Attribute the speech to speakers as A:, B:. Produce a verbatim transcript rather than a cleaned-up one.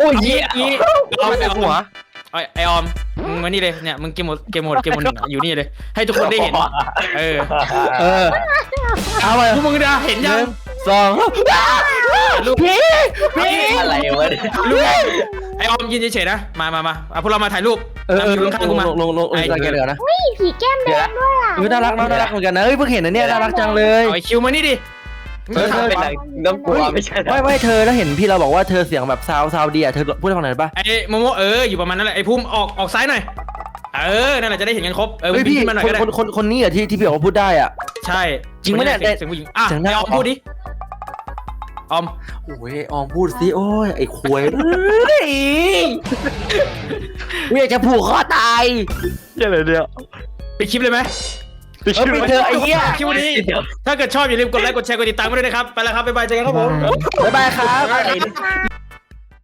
A: อ้ย
B: ยี่ยี่เอาไปเอาหัว
A: ไอไอออมมึงมานี่เลยเนี่ยมึงเกมหมดเกมหมดเกมหมดอยู่นี่เลยให้ทุกคนได้เห็นเออ
B: เออเอาไป
A: พวกมึงได้เห็นยัง
B: สอง
A: ลูก
B: พี่พี่
C: อะไรวะ
A: ลูกไอออมยืนเฉยๆนะมามามาพวกเรามาถ่ายรูป
B: เออเออ
A: อยู่ข้างๆกูมา
B: ลงลงลงลงกันเลยนะ
D: นี่ผีแก้มแดงด้วยอ่ะ
B: เออน่ารักน่ารักเหมือนกันนะเฮ้ยเพิ่งเห็นนะเนี่ยน่ารักจังเลย
A: ไอคิวมานี่ดิ
B: เออ
C: เป็นไรต้องกลัวไม่ใช่
B: ไม่ไม่เธอแล้วเห็นพี่เราบอกว่าเธอเสียงแบบซาวซาวดีอ่ะเธอพูดให้ฟังหน่อยป่ะ
A: ไอโมโมเอออยู่ประมาณนั้นแหละไอภูมิออกออกซ้ายหน่อยเออนั่นแหละจะได้เห็นกันครบเออ
B: เฮ้ยพี่
A: ขึ้นมาหน่อย
B: ค
A: ก็
B: น
A: ได้
B: คนคนคนนี้อ่ะที่ที่พี่บอกว่าพูดได้อ่ะ
A: ใช่
B: จริงไหมเนี่ย
A: เสียงผู้หญิงอ่ะ
B: เสียงห
A: ไอ
B: น้า
A: ออมพูดดิออม
B: โอ้ยออมพูดสิโอ้ยไอ้ควยเฮ้ยกูอยากจะผูกคอตาย
C: ยังไงเนี่ย
A: ไปดคลิปเลยไหม
B: เออไปเธอะไอ้เหี้ย
A: คลิปนี้ถ้าเกิดชอบอย่าลืมกดไลค์กดแชร์กดติดตามกันด้วยนะครับไปแล้วครับบ๊ายบายเจอกันครับผม
B: บ๊ายบายครับ